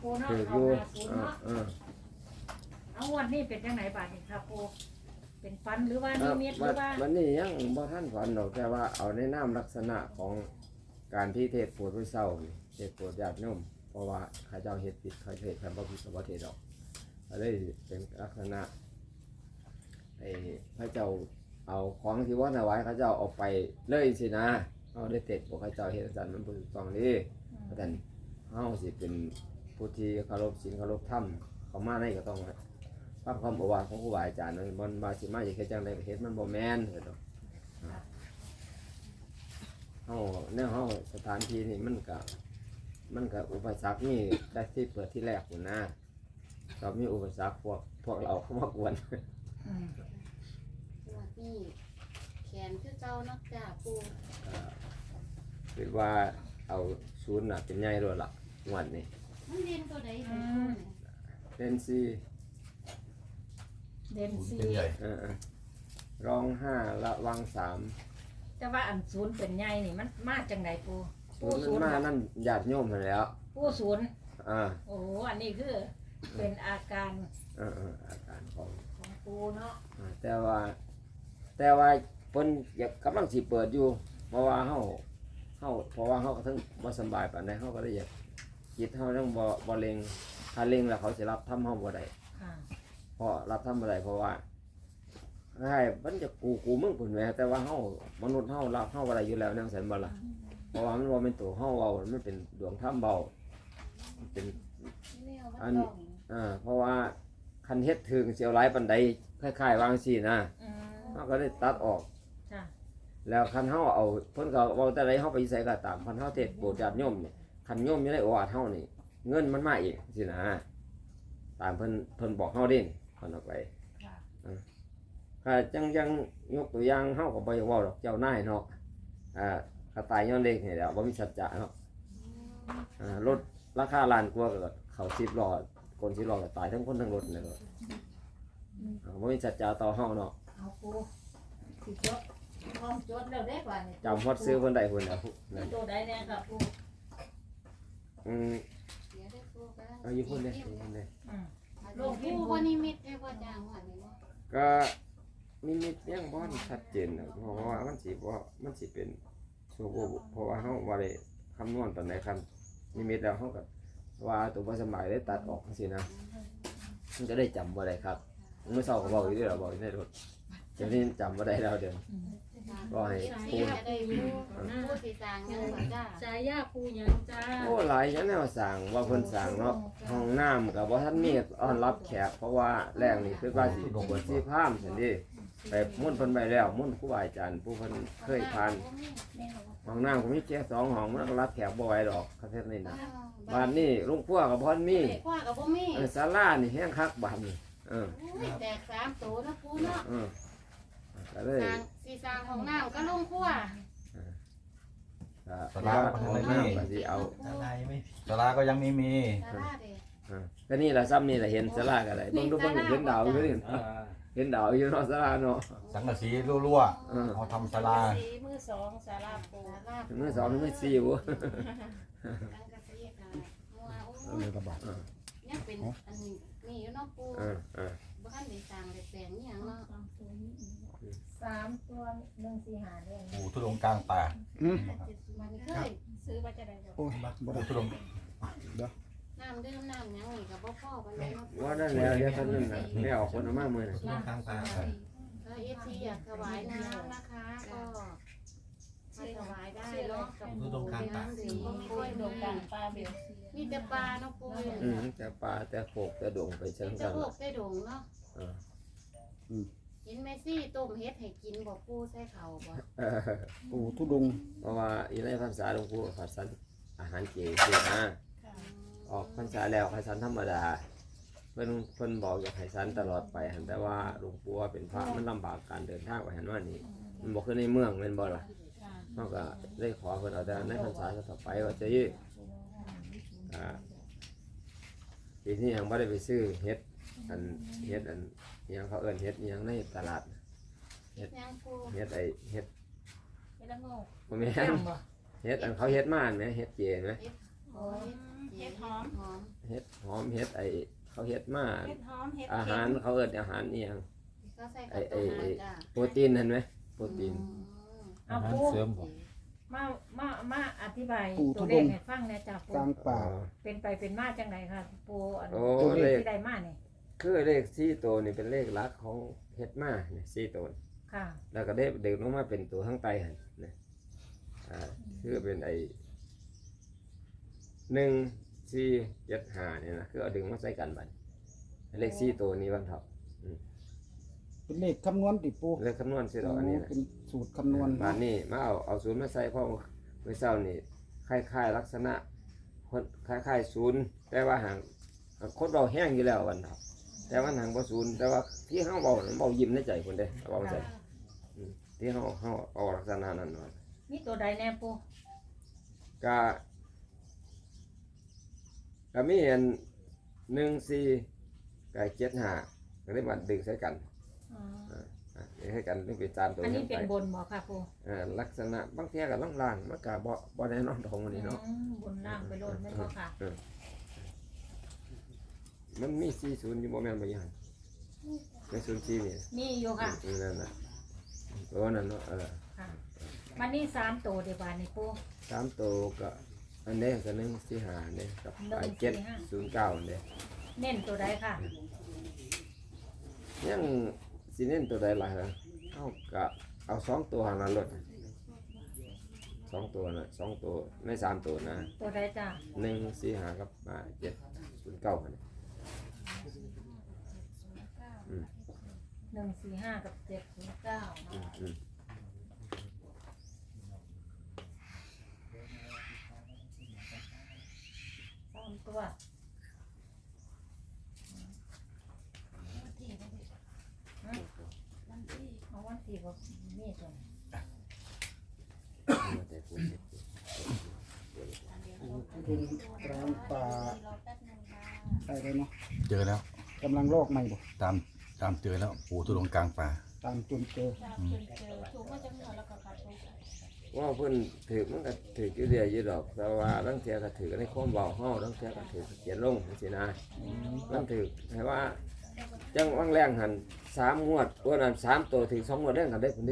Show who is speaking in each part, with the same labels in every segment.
Speaker 1: ปูเนาะ
Speaker 2: ถืออ
Speaker 1: เอา
Speaker 2: ยู่
Speaker 1: หาปูเนาะเอาวันนี้เป็นจังไหนบาดนี่ครับปูเป็นฟันหรือว่านิมิตหรือว่า
Speaker 2: วันนี้ยังบ่ท่านฝันหรอกแต่ว่าเอาในนามลักษณะของการที่เทศโปรดผู้เศร้านี่เทศโปรดญาติโยมเพราะว่าข้าเจ้าเฮ็ดผิดข้าเทศคำว่าผิดสมบัติเทศดอกก็เลยเป็นลักษณะพระเจ้าเอาของที่ว่าถวายข้าเจ้าเอาไปเลยสินะเอาได้เทศบอกข้าเจ้าเฮ็ดสันมันบ่ถูกต้องนี่เพราะฉะนั้นเฮาสิเป็นผู้ที่เคารพศีลเคารพธรรมเขามาในก็ต้องฟังคำบอกว่าของครูบาอาจารย์มันมาสิมาอย่างแค่จังไดก็เฮ็ดมันบ่แม่นเด้อเฮาแนวเฮาสถานที่นี่มันก็อุปสรรคนี่ได้ที่เปิดที่แรกพุ่นนะก็มีอุปสรรคพวกเราเข้ามากวน
Speaker 3: นี่แขนคือเจ้านักจ่าปู
Speaker 2: คิดว่าเอาศูนย์น่ะเป็นใหญ่ด้วยล่ะงวดนี้
Speaker 3: มันเรียนตัวใดของปูเนี่ย
Speaker 2: เล่นซี
Speaker 1: เด่นซี
Speaker 4: เป็นใหญ่
Speaker 2: ร้องห้าละวังสาม
Speaker 1: แต่ว่าอันศูนย์เป็นใหญ่นี่มันมาจังไหนปู
Speaker 2: ศูนย์มันมานั่นญาติโยมมาแล้ว
Speaker 1: ปูศูนย์
Speaker 2: อ่า
Speaker 1: โอ้โหอันนี้คือเป็นอาการ
Speaker 2: อาการของ
Speaker 1: ของปูเนาะ
Speaker 2: แต่ว่าเพิ่นอยากกำลังสิเปิดอยู่เพราะว่าเฮาเพราะว่าเฮาก็ถึงบ่สบายปานใดเฮาก็ได้อยากจิตเฮาต้องบ่เล็งถ้าเล็งแล้วเขาสิรับทำเฮาบ่ได้
Speaker 1: ค่ะ
Speaker 2: เพราะรับทำบ่ได้เพราะว่าให้มันจะกูมึงพุ่นแหมแต่ว่าเฮามนุษย์เฮารับเฮาบ่ได้อยู่แล้วแนวสันบ่ล่ะเพราะว่ามันบ่เป็นตัวเฮาเว้ามันเป็นดวงธรรมเบามันเป็น
Speaker 3: แนวมันต้อง
Speaker 2: เพราะว่าคันเฮ็ดถึงเสียวหลายปานใดคล้ายๆวางซี่นะ
Speaker 1: อืม
Speaker 2: เฮาก็ได้ตัดออก
Speaker 1: ค่ะ
Speaker 2: แล้วคันเฮาเอาเพิ่นก็เว้าแต่ใดเฮาไปใส่ก็ตามคันเฮาเทศน์โปรดญาติโยมนี่คันโยมอยู่ในโอวาทเฮานี่เงินมันมาเองสินะตามเพิ่นบอกเฮาเด้เพิ่นออกไป
Speaker 1: ค่ะ
Speaker 2: ถ้าจังยกตัวอย่างเฮาก็บ่อยากเว้าดอกเจ้านายเนาะกระต่ายย้อนเล็กนี่แหละบ่มีสัจจะเนาะรถราคาล้านกว่าก็เข้า10ล้อคน10ล้อก็ตายทั้งคนทั้งรถนี่ก็บ่มีสัจจะต่อเฮาเนาะ
Speaker 1: เอาปูสิจดพร้อมจดแล้วได้กว่านี่
Speaker 2: จำฮอดซื้อเพิ่นได้เพิ่นน่ะนั่น
Speaker 1: ตัวใดแน่ครับปู
Speaker 3: เดี๋ยวได้ปูก็
Speaker 2: เอาอยู่เพิ่นเด้อยู่เพิ่นเด้
Speaker 1: อืม
Speaker 3: หลวงปูบ่นิมิตได้พ่อจ้างว่านี่บ่
Speaker 2: ก็นิมิตยังบ่ชัดเจนนะเพราะว่ามันสิเป็นโชว์เพราะว่าเฮาบ่ได้คำนวณปานใดคันนิมิตแล้วเฮาก็ว่าตัวบ่สบายได้ตัดออกจังซี่นะมันจะได้จำบ่ได้ครับเมื่อเช้าก็บอกอยู่เด้อบอกอยู่ในรถเดี๋ยวนี้จำบ่ได้แล้วเดี๋ยว ก็ให้ปู
Speaker 3: ปูจะได้ปูปูสิสร้างยังบ่จ้า
Speaker 1: สายยาปูหยังจ้า
Speaker 2: โอ้หลายอย่างแนวสร้างว่าเพิ่นสร้างเนาะห้องน้ำก็บ่ทันมีต้อนรับแขกเพราะว่าแรงนี่คือว่าสิบวชสิพราหมณ์ซั่นดิไปมุ่นต์เพิ่นไปแล้วมุ่นต์ครูบาอาจารย์ผู้เพิ่นเคยผ่านห้องน้ำก็มีแค่2ห้องมันก็รับแขกบ่ไหวดอกประเทศนี้นะบ้านนี้ลุงพัวก็บ่ทันมี
Speaker 3: คว้ากับบ่มี
Speaker 2: ศาลานี่แฮงคักบ้านนี่
Speaker 3: แตก3ตัวนะปูเนาะ
Speaker 2: ก็เลย
Speaker 3: สร้างสิสร้างห้องน้ำก็ลงครัว
Speaker 2: ศาลาก็สิเอา
Speaker 4: ศาลาก็ยังไม่มี
Speaker 3: ศาลาเด้
Speaker 2: ก็นี่ล่ะซ้ำนี่ล่ะเห็นศาลาก็ได้เบิ่งดูเบิ่งเห็นดาวอยู่นี่เห็นดาวอยู่เนาะศาลาเนาะ
Speaker 4: สังกะสีรั่วๆเอาทำศาลา
Speaker 1: สีมือสองสาราปู
Speaker 3: ศาลา
Speaker 2: มื้อ2มื้อ4บ่
Speaker 3: สังกะสีก็มัวโอ้ยยังเป็นอันนี้นี่อยู่เนาะปู บ้านได้สร้างได้แปลงนี่ยังเนาะ
Speaker 1: 3ตัว145เด้ง
Speaker 4: ปู่ทุดงกลางป่า
Speaker 3: มันเคย
Speaker 1: ซื้อมาจะได้ดอก
Speaker 5: โอ้ยบ่
Speaker 4: ปู่
Speaker 5: ได้
Speaker 4: ทุดง
Speaker 3: น้ำดื่มน้ำหยังนี่ก็บ่พอปานใดเนาะ
Speaker 2: ว่านั่นแล้วเดี๋ยวท่านนึงน่ะไม่ออกคนเอามามื้อน่ะ
Speaker 4: กลางป่า
Speaker 3: ถ้า FC อยากถวายน้ำนะคะก็มาถวายได้เนาะกับปู่เป็นน้ำสี
Speaker 1: มีคนโด่งดังปลาเบล
Speaker 3: มีแต่ปลาเนาะปู่
Speaker 2: แต่ปลาแต่โขกแต่ดงไปเชิง
Speaker 3: มี
Speaker 2: กั
Speaker 3: แต่
Speaker 2: น
Speaker 3: พวกได้ดงเนาะเห็นแม่ซี่ต้มเฮ็ดให้กินบ่ปู่ใส่ข้าวบ่
Speaker 5: ปู่ทุดงค์
Speaker 2: เพราะว่าอีในพรรษาหลวงปู่ผัดสันอาหารเจคือนะออกพรรษาแล้วผัดสันธรรมดาเพิ่นบอกอยากให้สันตลอดไปหั่นแต่ว่าหลวงปู่ว่าเป็นพระมันลำบากการเดินทางไปหั่นว่านี่มันบ่คือในเมืองแม่นบ่ล่ะเฮาก็ได้ขอเพิ่นเอาแต่ในพรรษาต่อไปว่าจะยี่ปีนี้ยังบ่ได้ไปซื้อเฮ็ดอันยังเขาเอิ้นเฮ็ดยังในตลาด
Speaker 3: เฮ็ดหยังปู่
Speaker 2: เฮ็ดเฮ็ด
Speaker 1: เฮ็ดละโง่
Speaker 2: บ่แม่นเฮ็ดอันเขาเฮ็ดมาอันแหมเฮ็ดเจนไหม
Speaker 3: โอ้ยเฮ็ดหอม
Speaker 2: เฮ็ดหอมเฮ็ดไอเขาเฮ็ดมา
Speaker 6: เฮ็ดหอมเฮ็ด
Speaker 2: อา
Speaker 6: เค็
Speaker 2: หาร
Speaker 6: ม
Speaker 2: เขาเอิ้นอาหารอีหยัง
Speaker 3: ก็ใส่กับตัวหารจ้ะ
Speaker 2: โปรตีนเห็นไหมโปรตีน
Speaker 1: เอา
Speaker 5: อาหาร
Speaker 1: ปู
Speaker 5: เสริมบ่
Speaker 1: มาอธิบาย
Speaker 5: ปู
Speaker 1: ตัว
Speaker 5: ทุ
Speaker 1: เล
Speaker 5: ด
Speaker 1: ข
Speaker 5: ง
Speaker 1: ให้ฟังแหน่จ้ะปู
Speaker 5: กลางป่า
Speaker 1: เป็นไปเป็นมาจังไดค่ะปูอัน
Speaker 2: โอ้
Speaker 1: ตัวเล
Speaker 2: เล
Speaker 1: ข
Speaker 2: ข
Speaker 1: ที่ได้มานี่
Speaker 2: คือเลข4ตัวนี่เป็นเลขหลักของเฮ็ดมาเนี่ย4ตัว
Speaker 1: ค่ะ
Speaker 2: แล้วก็ได้เด็กลงมาเป็นตัวข้างใต้หั่นนะคือเป็นไอ้1 4 7 5เนี่ยนะคือเอาดึงมาใส่กันบัดเลข4ตัวนี้วันเถาะ
Speaker 5: เป็นเลขคำนวณติปู
Speaker 2: เลขคำนวณสิดอกอันนี้นะ
Speaker 5: เป็นสูตรคำนวณ
Speaker 2: บานนี้มาเอาศูนย์มาใส่เพราะเมื่อเช้านี่คล้ายๆลักษณะคนคล้ายๆศูนย์แต่ว่าหางคนเราแห้งอยู่แล้ววันเถาะแต่ว่าหางบ่ศูนย์แต่ว่าที่เฮาเบานั้นเบายิ้มในใจคนเด้เบาใจที่เฮาเอาลักษณะนั้นว่า
Speaker 1: มีตัวใดแน่ปู
Speaker 2: ก็ก็มีเห็น14กับ75ก็ได้มาดึงใส่กัน
Speaker 1: อ๋อ
Speaker 2: ดึงใส่กันนี่เป็นจานตัว
Speaker 1: อันนี้
Speaker 2: นี้
Speaker 1: เป็น
Speaker 2: ไป
Speaker 1: บนบ่ค่ะปู
Speaker 2: ลักษณะบางเทีก็ล่างๆมันก็บ่แน่นอนของมันนี่เนาะ
Speaker 1: บนล่างไปโลดไม่นบ่ค่ะ
Speaker 2: มันมี40อยู่บ่แม่นบ่ยังใน04นี่
Speaker 1: มีอยู่ค่ะ
Speaker 2: นั่นน่ะตัวนั้นเนาะ
Speaker 1: ค่ะมันนี่3ตัวเดี๋ยวบานนี่ปู
Speaker 2: 3ตัวก็อันนี้ก็145นี่กับ709นี่
Speaker 1: เน้นตัวใดค่ะ
Speaker 2: ยังสิเน้นตัวใดล่ะฮะเฮาก็เอา2ตัวหั่นละลด2ตัวน่ะ2ตัวใน3ตัวนะ
Speaker 1: ตัวใดจ้ะ
Speaker 2: 145กับ709หั่น
Speaker 1: 145กับ709เนาะ
Speaker 2: อืม
Speaker 1: 3ตัวเอาวันที่บ่มีตัวนี้
Speaker 2: แต่ผู้เฮ็ด
Speaker 5: ปูทุดงกลางป่าได้เลยเนาะ
Speaker 4: เจอแล้ว
Speaker 5: กำลังลอกใหม่บ่
Speaker 4: ตามเจอแล้วปู่ทุดงกลางป่า
Speaker 5: ตามจนเจอ
Speaker 6: ถูกมาจากเหนือแล้วก็ขาดทุน
Speaker 2: ว่าเพิ่นถือมันก็ถืออยู่เรื่อยอยู่ดอกแต่ว่าบางเทียก็ถือในความเบาเฮาบางเทียก็ถือเขียนลงจังซี่นะมันถือให้ว่าจังวังแรงหัน3งวดตัวนั้น3ตัวถึง2งวดแรงกันได้พุ่นดิ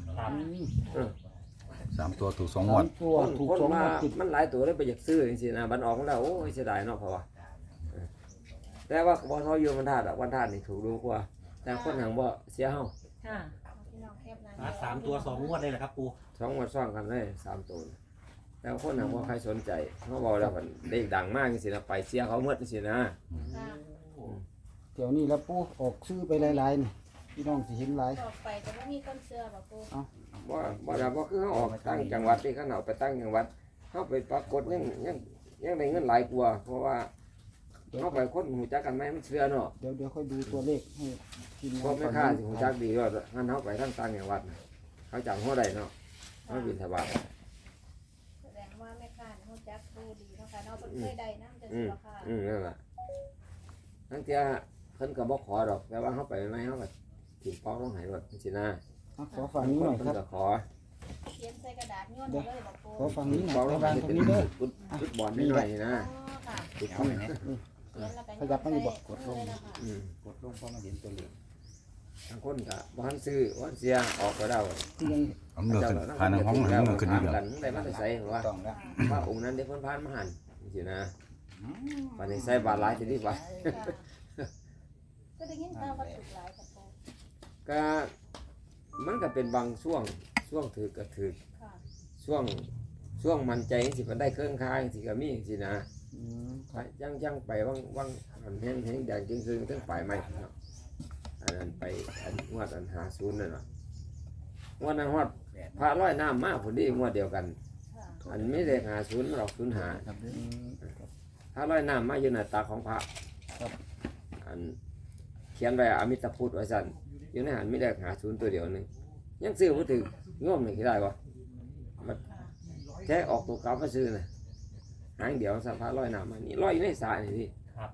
Speaker 4: 3 ตัวถูก2 งว
Speaker 5: สา
Speaker 4: ด
Speaker 5: มตัวถูก
Speaker 2: คน
Speaker 5: สอง
Speaker 2: มา
Speaker 5: งวดติด
Speaker 2: มันหลายตัวเลยไปอยากซื้อจังซี่นะบัดออกมาแล้วโอ้ยเสียดายเนาะเพราะว่าแต่ว่าบ่เท่าอยู่วันธาตุอะวันธาตุนี่ถูกดูกว่าแต่คนหังบ่เสียเฮา
Speaker 1: ค่ะ
Speaker 6: พี่น้องแคบหน้า
Speaker 7: 3 ตัว 2 งวดเลยเหรอครับปู
Speaker 2: 2งวดซ้อนกันเลย3ตัวแต่คนหังบ่ใครสนใจเฮาเว้าแล้วมันได้ดังมากจังซี่นะไปเสียเขาหมดจังซี่นะ
Speaker 5: เดี๋ยวนี้แล้วปูออกซื้อไปหลายๆนี่พี่น้องสิเห็นหลาย
Speaker 6: ต่อไปจะไม่มีต้นเสื้อบ่ปู
Speaker 2: บ่คือเขาออกตั้งจังหวัดที่เขาเอาไปตั้งจังหวัดเขาไปปรากฏยังได้เงินหลายกว่าเพราะว่าเขาไปคนหูจักกันไหมมันเชื่อเนาะ
Speaker 5: เดี๋ยวค่อยดูตัวเลขให้ทีม
Speaker 2: เพราะ
Speaker 5: งาน
Speaker 2: แม่ค้าสิหูจักดีว่างั้นเขาไปทั้งต่างจังหวัดน่ะเขาจำหัวได้เนาะเขาบินทบาท
Speaker 6: แสดงว่าแม่ค้าฮู้จักปูดีเนาะค่ะเนาะเพิ่นเคยได้นำจัง
Speaker 2: อื
Speaker 6: ซี่
Speaker 2: ม
Speaker 6: บ่ค่ะ
Speaker 2: นั่นแหละทั้งเที่ยเพิ่นก็บ่ขอดอกแต่ว่าเขาไปไหมเขาก็ถิ่มเป้าต้องใหายรถสินะ
Speaker 5: อ่ะขอฝั่งนี้หน่อย
Speaker 2: เพิ่
Speaker 5: คน รับ
Speaker 2: ก็ขอ
Speaker 6: เขียนใส่กระดาษย้อนมาเลยบ่ปู
Speaker 5: ขอฝั่งนี้หน่
Speaker 2: เป้า
Speaker 5: อย
Speaker 2: ต้อง
Speaker 5: วาง
Speaker 2: ให้
Speaker 5: ตร
Speaker 2: เป็
Speaker 5: ง
Speaker 2: น
Speaker 5: นี้เด้อ
Speaker 2: ฟุตบอลนิดหน่อยนะ
Speaker 6: อ๋อค่ะ
Speaker 2: ฟุตบอลนะ
Speaker 6: เขียนแล้วก็
Speaker 5: ขยับมาอยู่บ่
Speaker 6: กดลงเลยค่ะ
Speaker 2: อืม
Speaker 5: กดลงพอมาเห็นตัวเลข
Speaker 2: บางคนก็บ่ทันซื้อบ่ทันเสียออกก็ได้
Speaker 5: ที่ยัง
Speaker 4: เอาเนื้อขึ้นผ่านห้องหนึ่งเนื้อขึ้นนี่เดียว
Speaker 2: กันได้มาแต่ใส่ว่า
Speaker 5: ต้องแล้ว
Speaker 2: ว่าองค์นั้นได้เพิ่นผ่านมาหันสินะวันนี้ใส่บาทหลายสิดีกว่า
Speaker 6: ก็ได้ยินข่าวว่าถูกหลายค่ะปู
Speaker 2: ก็มันก็เป็นบางช่วงถือก็ถือ
Speaker 6: ค่ะ
Speaker 2: ช่วงมันใจสิมันได้เครื่องค้างสิก็มีสินะ
Speaker 5: อืม
Speaker 2: ไปยังไปว่างอันแห้งแดงจริงๆถึงปลายไม้ครับอันนั้นไปอันงวดอัน50นั่นน่ะงวดนั้นฮอดพระร้อยน้ำมาพุ่นนี้งวดเดียวกัน
Speaker 6: ค่ะ
Speaker 2: อันไม่ได้50มันออก05
Speaker 5: อืม
Speaker 2: พระร้อยน้ำมาอยู่หน้าตาของพระ
Speaker 5: ครับ
Speaker 2: อันเขียนไว้อมิตรพุทธไว้สั่นอยู่ในหันไม่ได้50ตัวเดียวหนึงยังซื้อบ่ถึงง่วมนี่ได้บ่มันแค่ออกตัวเก่ามาซื้อน่ะหางเดียวสัพพะร้อยน้ำมานี่ร้อยอยู่ในสายนี่พี่
Speaker 7: ครับ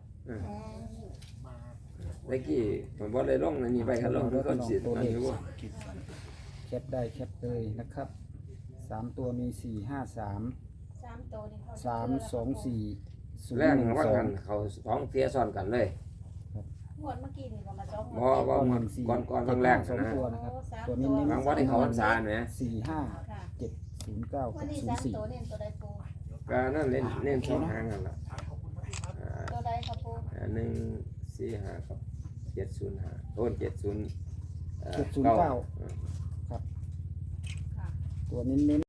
Speaker 2: เมื่อกี้ผมบ่ได้ลงอันนี้ไปครับลงทุกคนสิ
Speaker 5: ตัว
Speaker 2: อัน
Speaker 5: เลข
Speaker 2: นี้บ่
Speaker 5: แคปได้แคปเลยนะครับ3ตัวมี4 5 3
Speaker 6: 3ตัวนี่เขา
Speaker 5: 3 2 4 ศูน
Speaker 2: แร
Speaker 5: ย์
Speaker 2: ง
Speaker 5: หนึ่ง
Speaker 2: ว่า
Speaker 5: สอ
Speaker 2: กั
Speaker 5: ง
Speaker 2: นเขาสองเทียซ้อนกันเลย
Speaker 6: งวดเมื่อกี้นี่ก็มาจ้อง
Speaker 2: บ่บ่หมดก่อนแรก
Speaker 5: สอง
Speaker 2: นะ
Speaker 5: ตัวนะครับ
Speaker 6: 3
Speaker 5: ตัวนี้เน้น
Speaker 2: บางวันที่เขาพรรษาเนี่ย
Speaker 5: 4
Speaker 6: ค่ะ
Speaker 5: 5 7 0 9
Speaker 6: วันนี้
Speaker 5: 6 0
Speaker 6: 3ตัวเน้นตัวใดปู
Speaker 2: ก็นั่นเล่นสองหางนั่นล่ะ
Speaker 6: ตัวใดครับปู
Speaker 2: 145กับ705โอน70
Speaker 5: 709 ครับ ตัวเน้น